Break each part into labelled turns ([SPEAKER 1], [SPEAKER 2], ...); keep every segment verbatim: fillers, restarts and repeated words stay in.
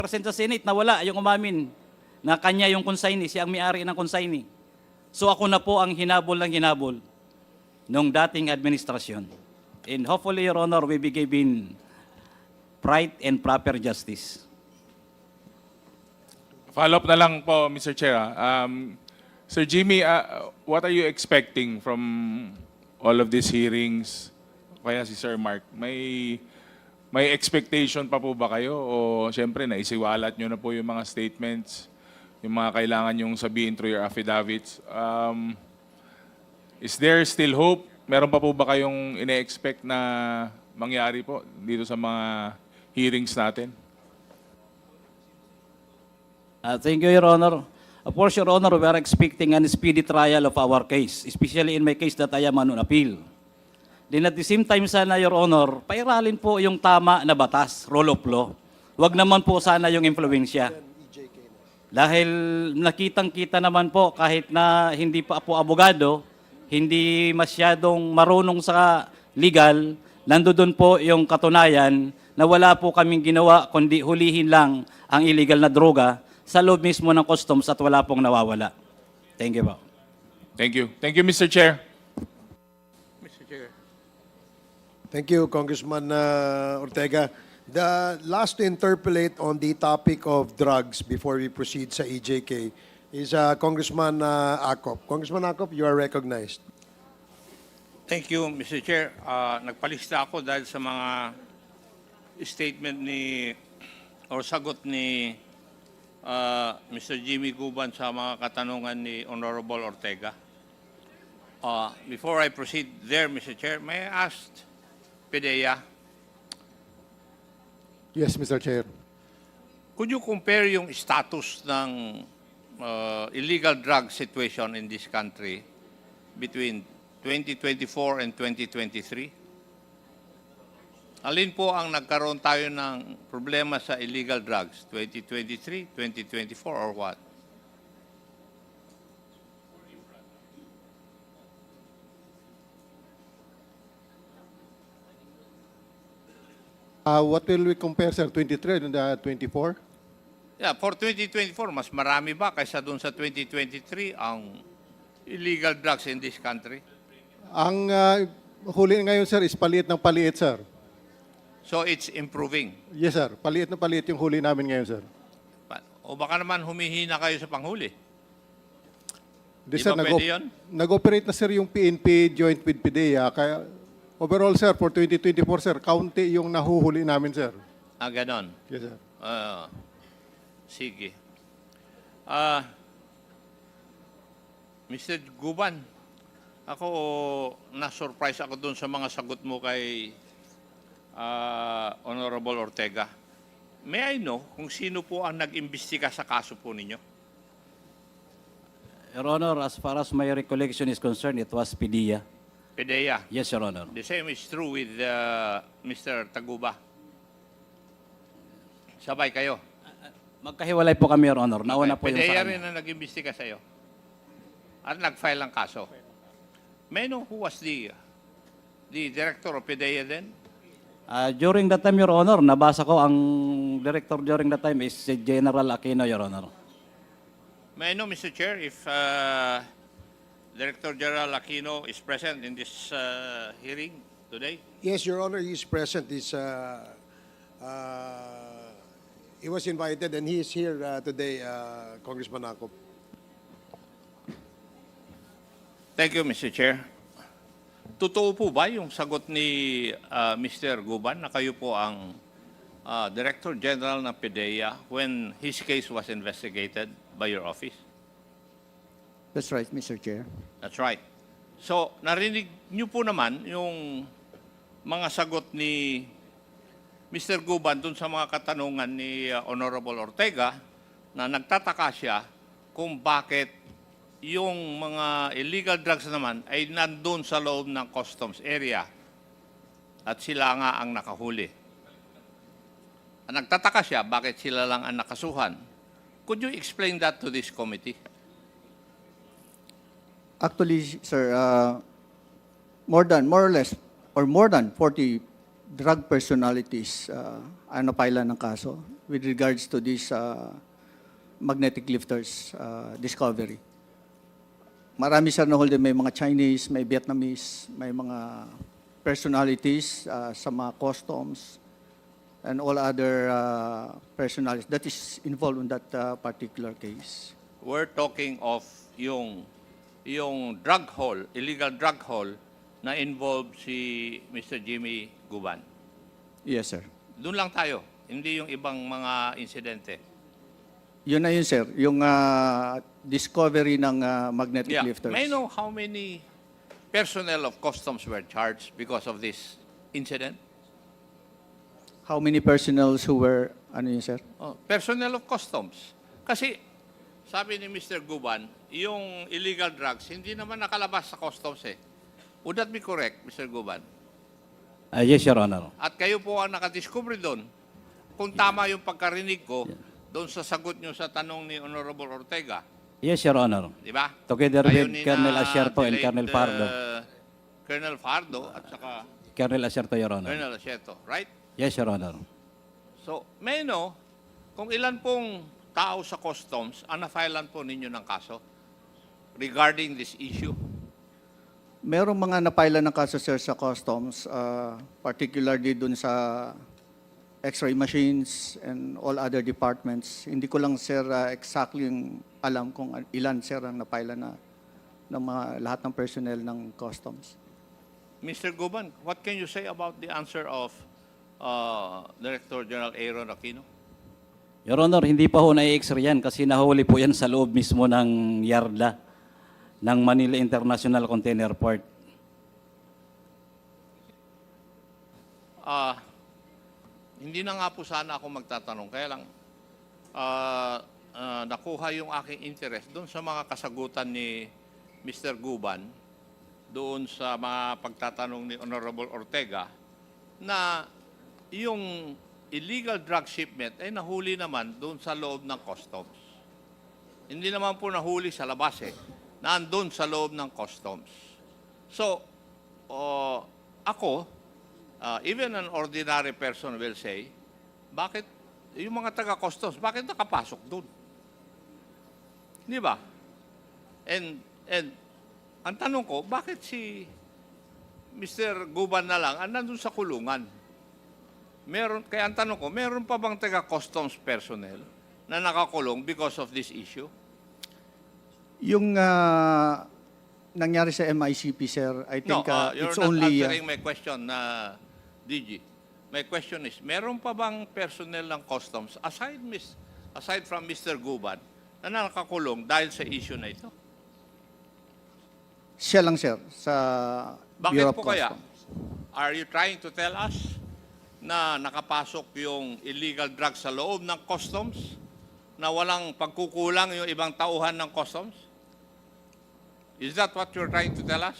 [SPEAKER 1] present sa Senate na wala yung umamin na kanya yung consignee, siya ang may-ari ng consignee. So ako na po ang hinabol ng hinabol nung dating administrasyon. And hopefully, Your Honor, we be given right and proper justice.
[SPEAKER 2] Follow up na lang po, Mister Chair. ah. Um, Sir Jimmy, uh, what are you expecting from all of these hearings? Kaya si Sir Mark, may may expectation pa po ba kayo? O siyempre, naisiwalat nyo na po yung mga statements, yung mga kailangan yung sabihin through your affidavits. Um, is there still hope? Meron pa po ba kayong ine-expect na mangyari po dito sa mga hearings natin?
[SPEAKER 1] Uh, thank you, Your Honor. Of course, Your Honor, we are expecting a speedy trial of our case, especially in my case that I am on appeal. Then at the same time sana, Your Honor, pairalin po yung tama na batas, rule of law. Huwag naman po sana yung impluensya. Dahil nakitang-kita naman po kahit na hindi pa po abogado, hindi masyadong marunong sa legal, nandoon po yung katunayan na wala po kaming ginawa kundi hulihin lang ang illegal na droga sa loob mismo ng customs at wala pong nawawala. Thank you po.
[SPEAKER 2] Thank you. Thank you, Mister Chair.
[SPEAKER 3] Mister Chair.
[SPEAKER 4] Thank you, Congressman uh, Ortega. The last to interpolate on the topic of drugs before we proceed sa E J K is uh, Congressman uh, Acop. Congressman Acop, you are recognized.
[SPEAKER 3] Thank you, Mister Chair. Uh, nagpalista ako dahil sa mga statement ni or sagot ni uh, Mister Jimmy Guban sa mga katanungan ni Honorable Ortega. Uh, before I proceed there, Mister Chair, may I ask PDEA,
[SPEAKER 5] Yes, Mister Chair.
[SPEAKER 3] could you compare yung status ng uh, illegal drug situation in this country between twenty twenty-four and twenty twenty-three? Alin po ang nagkaroon tayo ng problema sa illegal drugs? twenty twenty-three, twenty twenty-four, or what?
[SPEAKER 5] Uh, what will we compare, sir? twenty-three and uh, twenty-four?
[SPEAKER 3] Yeah, for twenty twenty-four, mas marami ba kaysa doon sa twenty twenty-three ang illegal drugs in this country?
[SPEAKER 5] Ang uh, huli ngayon, sir, is paliit ng paliit, sir.
[SPEAKER 3] So it's improving.
[SPEAKER 5] Yes, sir. Paliit na paliit yung huli namin ngayon, sir.
[SPEAKER 3] Pa- O baka naman humihina kayo sa panghuli.
[SPEAKER 5] Di,
[SPEAKER 3] Di
[SPEAKER 5] sir,
[SPEAKER 3] ba
[SPEAKER 5] nag-
[SPEAKER 3] pwede yun?
[SPEAKER 5] nag-operate na, sir, yung P N P joint with PDEA. Kaya, overall, sir, for twenty twenty-four, sir, kaunti yung nahuhuli namin, sir.
[SPEAKER 3] Ah, ganon.
[SPEAKER 5] Yes, sir.
[SPEAKER 3] Ah, sige. Ah, Mister Guban, ako na-surprise ako doon sa mga sagot mo kay ah, Honorable Ortega. May I know kung sino po ang nag-imbestiga sa kaso po ninyo?
[SPEAKER 1] Your Honor, as far as my recollection is concerned, it was PDEA.
[SPEAKER 3] PDEA.
[SPEAKER 1] Yes, Your Honor.
[SPEAKER 3] The same is true with uh, Mister Taguba. Sabay kayo.
[SPEAKER 1] Magkahiwalay po kami, Your Honor. Nauna po yung
[SPEAKER 3] PDEA
[SPEAKER 1] sa
[SPEAKER 3] rin
[SPEAKER 1] kanya.
[SPEAKER 3] ang nag-imbestiga sa iyo. At nag-file ng kaso. May I know who was the the director of PDEA then?
[SPEAKER 1] Uh, during that time, Your Honor, nabasa ko ang director during that time is si General Aquino, Your Honor.
[SPEAKER 3] May I know, Mister Chair, if uh, Director General Aquino is present in this uh, hearing today?
[SPEAKER 4] Yes, Your Honor, he is present. He's, uh, uh, he was invited and he is here uh, today, uh, Congressman Acop.
[SPEAKER 3] Thank you, Mister Chair. Totoo po ba yung sagot ni uh, Mister Guban na kayo po ang uh, Director General ng PDEA when his case was investigated by your office?
[SPEAKER 6] That's right, Mister Chair.
[SPEAKER 3] That's right. So, narinig niyo po naman yung mga sagot ni Mister Guban dun sa mga katanungan ni uh, Honorable Ortega na nagtataka siya kung bakit yung mga illegal drugs naman ay nandun sa loob ng customs area at sila nga ang nakahuli. Nagtataka siya bakit sila lang ang nakasuhan. Could you explain that to this committee?
[SPEAKER 6] Actually, sir, uh, more than, more or less, or more than forty drug personalities uh, ang napailan ng kaso with regards to this uh, magnetic lifters uh, discovery. Marami sir na hold, may mga Chinese, may Vietnamese, may mga personalities uh, sa mga customs and all other uh, personalities that is involved in that uh, particular case.
[SPEAKER 3] We're talking of yung yung drug haul, illegal drug haul na involved si Mister Jimmy Guban.
[SPEAKER 6] Yes, sir.
[SPEAKER 3] Doon lang tayo, hindi yung ibang mga insidente.
[SPEAKER 6] Yun na yun, sir. Yung uh, discovery ng uh, magnetic
[SPEAKER 3] Yeah.
[SPEAKER 6] lifters.
[SPEAKER 3] May I know how many personnel of customs were charged because of this incident?
[SPEAKER 6] How many personnels who were, ano yun, sir?
[SPEAKER 3] Oh, personnel of customs. Kasi sabi ni Mister Guban, yung illegal drugs hindi naman nakalabas sa customs eh. Would that be correct, Mister Guban?
[SPEAKER 1] Ah, yes, Your Honor.
[SPEAKER 3] At kayo po ang nakadiscover doon. Kung tama yung pagkarinig ko, doon sa sagot nyo sa tanong ni Honorable Ortega,
[SPEAKER 1] Yes, Your Honor.
[SPEAKER 3] di ba?
[SPEAKER 1] Together
[SPEAKER 3] Kayo
[SPEAKER 1] with
[SPEAKER 3] ni
[SPEAKER 1] Colonel
[SPEAKER 3] na
[SPEAKER 1] Asierto and
[SPEAKER 3] delayed,
[SPEAKER 1] Colonel Pardo.
[SPEAKER 3] uh, Colonel Fardo at saka
[SPEAKER 1] Colonel Asierto, Your Honor.
[SPEAKER 3] Colonel Asierto, right?
[SPEAKER 1] Yes, Your Honor.
[SPEAKER 3] So, may no, kung ilan pong tao sa customs ang na-filean po ninyo ng kaso regarding this issue?
[SPEAKER 6] Merong mga napailan ng kaso, sir, sa customs, uh, particularly dun sa x-ray machines and all other departments. Hindi ko lang, sir, uh, exactly yung alam kung ilan, sir, ang napailan na ng mga lahat ng personnel ng customs.
[SPEAKER 3] Mister Guban, what can you say about the answer of uh, Director General Aaron Aquino?
[SPEAKER 1] Your Honor, hindi pa ho na-x-ray yan kasi nahuli po yan sa loob mismo ng yarda ng Manila International Container Port.
[SPEAKER 3] Ah, hindi na nga po sana ako magtatanong. Kaya lang, ah, ah, nakuha yung aking interest doon sa mga kasagutan ni Mister Guban, doon sa mga pagtatanong ni Honorable Ortega, na yung illegal drug shipment ay nahuli naman doon sa loob ng customs. Hindi naman po nahuli sa labas eh. Nandun sa loob ng customs. So, uh, ako, uh, even an ordinary person will say, bakit yung mga taga-customs, bakit nakapasok doon? Di ba? And, and ang tanong ko, bakit si Mister Guban na lang ang nandun sa kulungan? Meron, kaya ang tanong ko, meron pa bang taga-customs personnel na nakakulong because of this issue?
[SPEAKER 6] Yung uh, nangyari sa M I C P, sir, I think
[SPEAKER 3] No, uh,
[SPEAKER 6] uh,
[SPEAKER 3] you're
[SPEAKER 6] it's
[SPEAKER 3] not
[SPEAKER 6] only... uh,
[SPEAKER 3] answering my question, na D G. My question is, meron pa bang personnel ng customs, aside, mis, aside from Mister Guban, na nakakulong dahil sa issue na ito?
[SPEAKER 6] siya lang, sir, sa
[SPEAKER 3] Bakit
[SPEAKER 6] Bureau of
[SPEAKER 3] po kaya?
[SPEAKER 6] Customs.
[SPEAKER 3] Are you trying to tell us na nakapasok yung illegal drugs sa loob ng customs, na walang pagkukulang yung ibang tauhan ng customs? Is that what you're trying to tell us?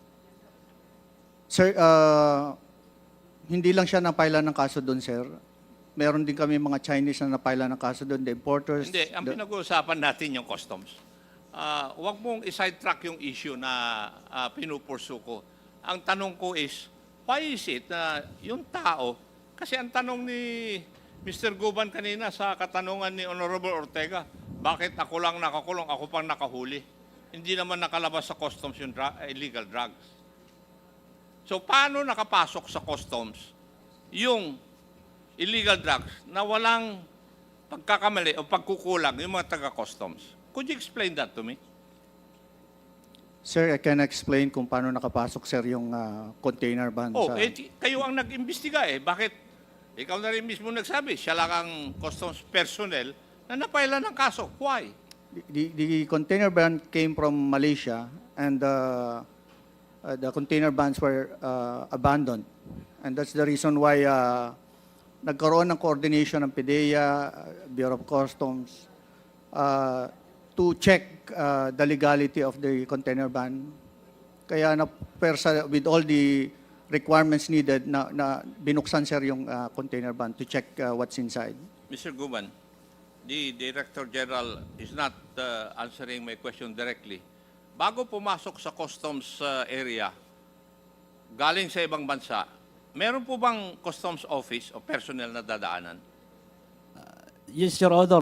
[SPEAKER 6] Sir, uh, hindi lang siya napailan ng kaso doon, sir. Meron din kami mga Chinese na napailan ng kaso doon, the importers.
[SPEAKER 3] Hindi, ang
[SPEAKER 6] the-
[SPEAKER 3] pinag-uusapan natin yung customs. Ah, huwag mong isidetrack yung issue na uh, pinupursu ko. Ang tanong ko is, why is it na yung tao, kasi ang tanong ni Mister Guban kanina sa katanungan ni Honorable Ortega, bakit ako lang nakakulong, ako pang nakahuli? Hindi naman nakalabas sa customs yung dra- illegal drugs. So, paano nakapasok sa customs yung illegal drugs na walang pagkakamali o pagkukulang yung mga taga-customs? Could you explain that to me?
[SPEAKER 6] Sir, I can explain kung paano nakapasok, sir, yung uh, container van
[SPEAKER 3] Oh,
[SPEAKER 6] sa...
[SPEAKER 3] eh, ti- kayo ang nag-imbestiga eh. Bakit? Ikaw na rin mismo nagsabi, siya lang ang customs personnel na napailan ng kaso. Why?
[SPEAKER 6] The, the container van came from Malaysia and uh, uh, the container vans were uh, abandoned. And that's the reason why uh, nagkaroon ng coordination ng PIDEA, uh, Bureau of Customs, uh, to check uh, the legality of the container van. Kaya na persa with all the requirements needed na, na binuksan, sir, yung uh, container van to check uh, what's inside.
[SPEAKER 3] Mister Guban, the Director General is not uh, answering my question directly. Bago pumasok sa customs uh, area, galing sa ibang bansa, meron po bang customs office o personnel na dadaanan?
[SPEAKER 1] Yes, Your Honor.